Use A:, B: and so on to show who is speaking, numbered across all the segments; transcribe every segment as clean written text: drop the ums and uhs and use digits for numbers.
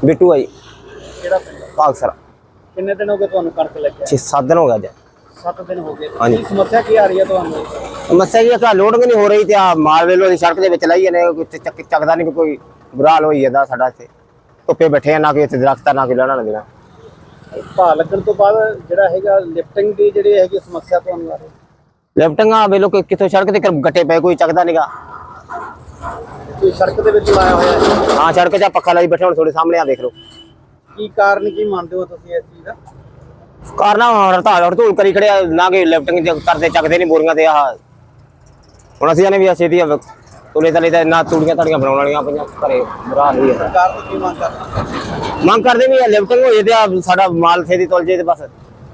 A: ਬਿੱਟੂ ਆ ਜੀ।
B: ਕਿਹੜਾ ਪਿੰਡ?
A: ਭਾਗਸਰ।
B: ਕਿੰਨੇ ਦਿਨ ਹੋ ਗਏ ਤੁਹਾਨੂੰ ਕਣਕ ਲੱਗਿਆ?
A: 6-7 दिन हो गया जी।
B: 7 ਦਿਨ ਹੋ ਗਏ।
A: हाँ जी।
B: ਕੀ ਸਮੱਸਿਆ ਕੀ ਆ ਰਹੀ ਹੈ ਤੁਹਾਨੂੰ?
A: समस्या ये कि लोडिंग नहीं हो रही थी। माल वेलो सड़क के विच लाई जाने, चकदा नहीं कोई। बुरा हाल होई जांदा साडा इत्थे। धुप्पे बैठे ना कोई इत्थे दरख्त ना कोई लाना देना।
B: ਭਾਅ ਲੱਗਣ ਤੋਂ ਬਾਅਦ ਜਿਹੜਾ ਹੈਗਾ ਲਿਫਟਿੰਗ ਦੀ ਜਿਹੜੀ ਹੈਗੀ ਸਮੱਸਿਆ ਤੁਹਾਨੂੰ ਆ ਰਹੀ?
A: लिफ्टिंग वेलो कितों सड़क ते गट्टे पे कोई चकदा नहीं गा।
B: ਕੋਈ ਸੜਕ ਦੇ ਵਿੱਚ ਲਾਇਆ ਹੋਇਆ ਹੈ?
A: हाँ सड़क च पक्खा लाई बैठे हुण थोड़े सामने आ देख लो।
B: ਕੀ ਕਾਰਨ ਕੀ ਮੰਨਦੇ ਹੋ ਤੁਸੀਂ ਇਸ ਚੀਜ਼ ਦਾ?
A: कारना हड़तूल करी खड़े ना कि लिफ्टिंग करते चकते नहीं बोरियां ते हुण असीं जाने भी छेती तुले तले ते ना तूड़ियां ताड़ियां बनाउण वालियां पईयां घरे बुरा हाल होई जांदा।
B: ਸਰਕਾਰ ਤੋਂ ਕੀ ਮੰਗ ਕਰਦੇ?
A: ਮੰਗ ਕਰਦੇ ਵੀ ਲਿਫਟਿੰਗ ਹੋ ਜੇ ਤੇ ਸਾਡਾ ਮਾਲ ਛੇਤੀ ਤੁਲ ਜੇ ਤੇ ਬਸ।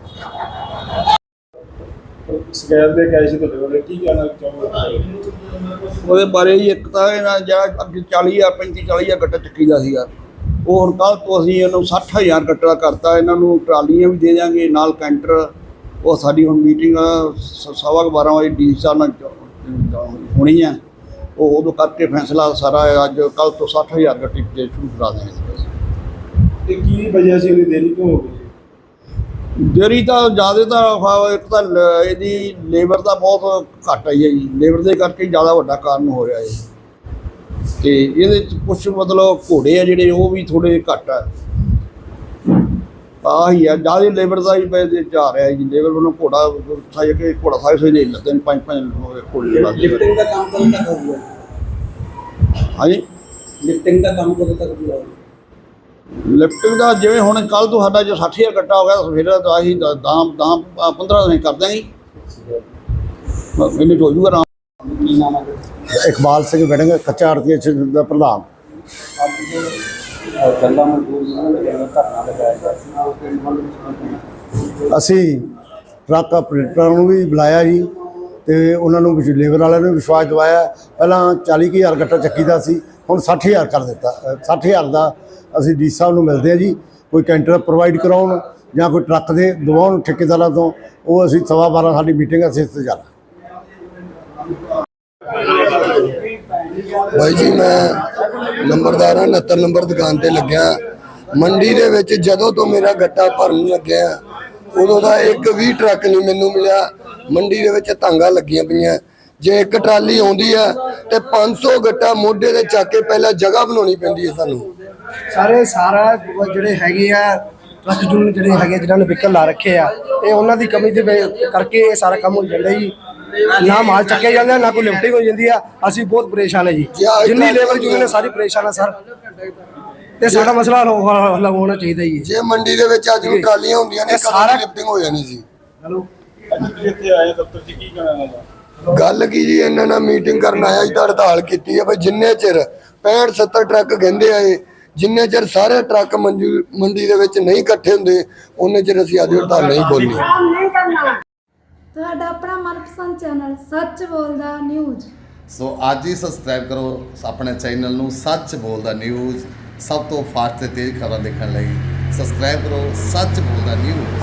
C: ਸ਼ਿਕਾਇਤ ਦੇ ਕੇ ਆਏ ਸੀ ਤੁਹਾਡੇ ਕੋਲ, ਕੀ ਕਹਿਣਾ ਚਾਹੋਗੇ
D: ਉਹਦੇ ਬਾਰੇ ਜੀ? ਇੱਕ ਤਾਂ ਇਹਨਾਂ ਜਿਹੜਾ ਅੱਗੇ 40,000 35-40,000 ਗੱਟਾ ਚੱਕੀ ਦਾ ਸੀਗਾ, ਉਹ ਹੁਣ ਕੱਲ੍ਹ ਤੋਂ ਅਸੀਂ ਇਹਨੂੰ 60,000 ਗੱਟਾ ਕਰਤਾ। ਇਹਨਾਂ ਨੂੰ ਟਰਾਲੀਆਂ ਵੀ ਦੇ ਦਿਆਂਗੇ ਨਾਲ ਕੈਂਟਰ। ਉਹ ਸਾਡੀ ਹੁਣ ਮੀਟਿੰਗ 12:15 ਵਜੇ ਡੀ ਸਾਹਿਬ ਨਾਲ ਹੋਣੀ ਹੈ। ਉਹ ਉਦੋਂ ਕਰਕੇ ਫੈਸਲਾ ਸਾਰਾ ਅੱਜ ਕੱਲ੍ਹ ਤੋਂ 60,000 ਗੱਟੇ ਸ਼ੁਰੂ ਕਰਾ ਦੇਣਗੇ।
C: ਤੇ ਕੀ ਵਜ੍ਹਾ ਸੀ ਉਹਦੀ ਦੇਰੀ ਕਿਉਂ ਹੋ ਗਈ?
D: ਦੇਰੀ ਤਾਂ ਜ਼ਿਆਦਾ ਤਾਂ ਇੱਕ ਤਾਂ ਇਹਦੀ ਲੇਬਰ ਦਾ ਬਹੁਤ ਘੱਟ ਆਈ ਹੈ ਜੀ। ਲੇਬਰ ਦੇ ਕਰਕੇ ਜ਼ਿਆਦਾ ਵੱਡਾ ਕਾਰਨ ਹੋ ਰਿਹਾ ਹੈ। ਤੇ ਇਹਦੇ 'ਚ ਕੁਛ ਮਤਲਬ ਘੋੜੇ ਆ ਜਿਹੜੇ ਉਹ ਵੀ ਥੋੜ੍ਹੇ ਘੱਟ ਆ। ਆਹੀ ਆ ਜ਼ਿਆਦਾ ਲੇਬਰ ਦਾ ਹੀ ਪੈਸੇ ਜਾ ਰਿਹਾ ਜੀ। ਲੇਬਰ ਵੱਲੋਂ ਘੋੜਾ ਸਾਜ ਕੇ ਘੋੜਾ ਸਾਜ ਸੋਈ ਦੇ ਲੱਗਦੇ ਨੇ 5-5 ਘੋੜੇ ਲੱਗਦੇ।
B: ਲਿਫਟਿੰਗ ਦਾ ਕੰਮ ਕਦੋਂ ਤੱਕ ਹੋਊਗਾ?
D: ਹਾਂਜੀ,
B: ਲਿਫਟਿੰਗ ਦਾ ਕੰਮ ਕਦੋਂ ਤੱਕ ਪੂਰਾ ਹੋਊਗਾ?
D: ਲਿਫਟਿੰਗ ਦਾ ਜਿਵੇਂ ਹੁਣ ਕੱਲ੍ਹ ਤੋਂ ਸਾਡਾ ਜੋ 60,000 ਗੱਟਾ ਹੋ ਗਿਆ, ਫਿਰ ਤਾਂ ਅਸੀਂ 10-15 ਦਿਨ ਕਰ ਦਾਂਗੇ। ਇਹਨੇ ਹੋ ਜੂਗਾ ਆਰਾਮ।
B: ਕੀ ਨਾਮ ਹੈ?
E: ਇਕਬਾਲ ਸਿੰਘ ਵੜਿੰਗ, ਕੱਚਾ ਆੜ੍ਹਤੀ ਦਾ ਪ੍ਰਧਾਨ।
B: ਗੱਲਾਂ ਮਜ਼ਦੂਰ ਜਿਹੜਾ ਧਰਨਾ ਲਗਾਇਆ ਗਿਆ ਸੀ,
E: ਅਸੀਂ ਟਰੱਕ ਆਪਰੇਟਰਾਂ ਨੂੰ ਵੀ ਬੁਲਾਇਆ ਜੀ ਤੇ ਉਹਨਾਂ ਨੂੰ ਲੇਬਰ ਵਾਲਿਆਂ ਨੂੰ ਵਿਸ਼ਵਾਸ ਦਿਵਾਇਆ। ਪਹਿਲਾਂ 40,000 ਗੱਟਾ ਚੱਕੀ ਦਾ ਸੀ, ਹੁਣ 60,000 ਕਰ ਦਿੱਤਾ। 60,000 ਦਾ ਅਸੀਂ ਡੀ ਸਾਹਿਬ ਨੂੰ ਮਿਲਦੇ ਹਾਂ ਜੀ। ਕੋਈ ਕੈਂਟਰ ਪ੍ਰੋਵਾਈਡ ਕਰਾਉਣ ਜਾਂ ਕੋਈ ਟਰੱਕ ਦੇ ਦਵਾਉਣ ਠੇਕੇਦਾਰਾਂ ਤੋਂ, ਉਹ ਅਸੀਂ 12:15 ਸਾਡੀ ਮੀਟਿੰਗ ਅਸੀਂ ਇੱਥੇ ਜਾਣਾ।
F: भाई जी मैं नंबरदार हाँ, 69 नंबर दुकान ते लग्या। मंडी दे विच जदों तो मेरा गट्टा भरन लग्या उदों दा एक भी ट्रक नहीं मैनू मिलिया। मंडी दे विच तांगा लगियां पईयां। जे एक ट्राली आउंदी है ते 500 गट्टा मोढे ते चक के पहला जगह बनाउणी पैंदी है सानू।
G: सारा ਜਿਹੜੇ ਹੈਗੇ ਆ ਟਰੱਕ ਯੂਨੀਅਨ ਜਿਹੜੇ ਹੈਗੇ ਜਿਨ੍ਹਾਂ ਨੇ ਵਹੀਕਲ ਲਾ ਰੱਖੇ ਆ, ਇਹ ਉਹਨਾਂ ਦੀ ਕਮੀ ਦੇ ਕਰਕੇ ਇਹ ਸਾਰਾ ਕੰਮ ਹੋ ਜਾਂਦਾ ਜੀ। ਨਾ ਮਾਲ ਚੱਕਿਆ ਜਾਂਦਾ, ਨਾ ਕੋਈ ਲਿਫਟਿੰਗ ਹੋ ਜਾਂਦੀ ਆ। ਅਸੀਂ ਬਹੁਤ ਪਰੇਸ਼ਾਨ ਹੈ ਜੀ। ਜਿੰਨੀ ਲੇਬਰ ਯੂਨੀਅਨ ਹੈ ਸਾਰੀ ਪਰੇਸ਼ਾਨ ਹੈ ਸਰ, ਤੇ ਸਾਡਾ ਮਸਲਾ ਹੱਲ ਹੋਣਾ ਚਾਹੀਦਾ ਜੀ।
F: ਜੇ ਮੰਡੀ ਦੇ ਵਿੱਚ ਅੱਜ ਨੂੰ ਟਰਾਲੀਆਂ ਹੁੰਦੀਆਂ ਨੇ ਸਾਰਾ ਲਿਫਟਿੰਗ ਹੋ ਜਾਣੀ ਸੀ।
C: ਅੱਜ ਤੁਸੀਂ ਇੱਥੇ ਆਏ ਦਫ਼ਤਰ 'ਚ, ਕੀ ਕਹਿਣਾ ਇਹਦਾ?
F: ਗੱਲ ਕੀ ਜੀ, ਇਹਨਾਂ ਨਾਲ ਮੀਟਿੰਗ ਕਰਨ ਆਇਆ ਜੀ ਤਾਂ ਹੜਤਾਲ ਕੀਤੀ ਹੈ। ਬਈ ਜਿੰਨੇ ਚਿਰ 65-70 ਟਰੱਕ ਕਹਿੰਦੇ ਆਏ, ਜਿੰਨੇ ਚਿਰ ਸਾਰੇ ਟਰੱਕ ਮੰਡੀ ਦੇ ਵਿੱਚ ਨਹੀਂ ਇਕੱਠੇ ਹੁੰਦੇ, ਉਹਨੇ ਚਿਰ ਅਸੀਂ ਅੱਜ ਹੜਤਾਲ ਨਹੀਂ ਖੋਲ੍ਹਣੀ।
H: ਤੁਹਾਡਾ ਆਪਣਾ ਮਨਪਸੰਦ ਚੈਨਲ ਸੱਚ ਬੋਲਦਾ ਨਿਊਜ਼।
I: ਸੋ ਅੱਜ ਹੀ ਸਬਸਕ੍ਰਾਈਬ ਕਰੋ ਆਪਣੇ ਚੈਨਲ ਨੂੰ ਸੱਚ ਬੋਲਦਾ ਨਿਊਜ਼। ਸਭ ਤੋਂ ਫਾਸਟ ਤੇ ਤੇਜ਼ ਖਬਰਾਂ ਦੇਖਣ ਲਈ ਸਬਸਕ੍ਰਾਈਬ ਕਰੋ ਸੱਚ ਬੋਲਦਾ ਨਿਊਜ਼।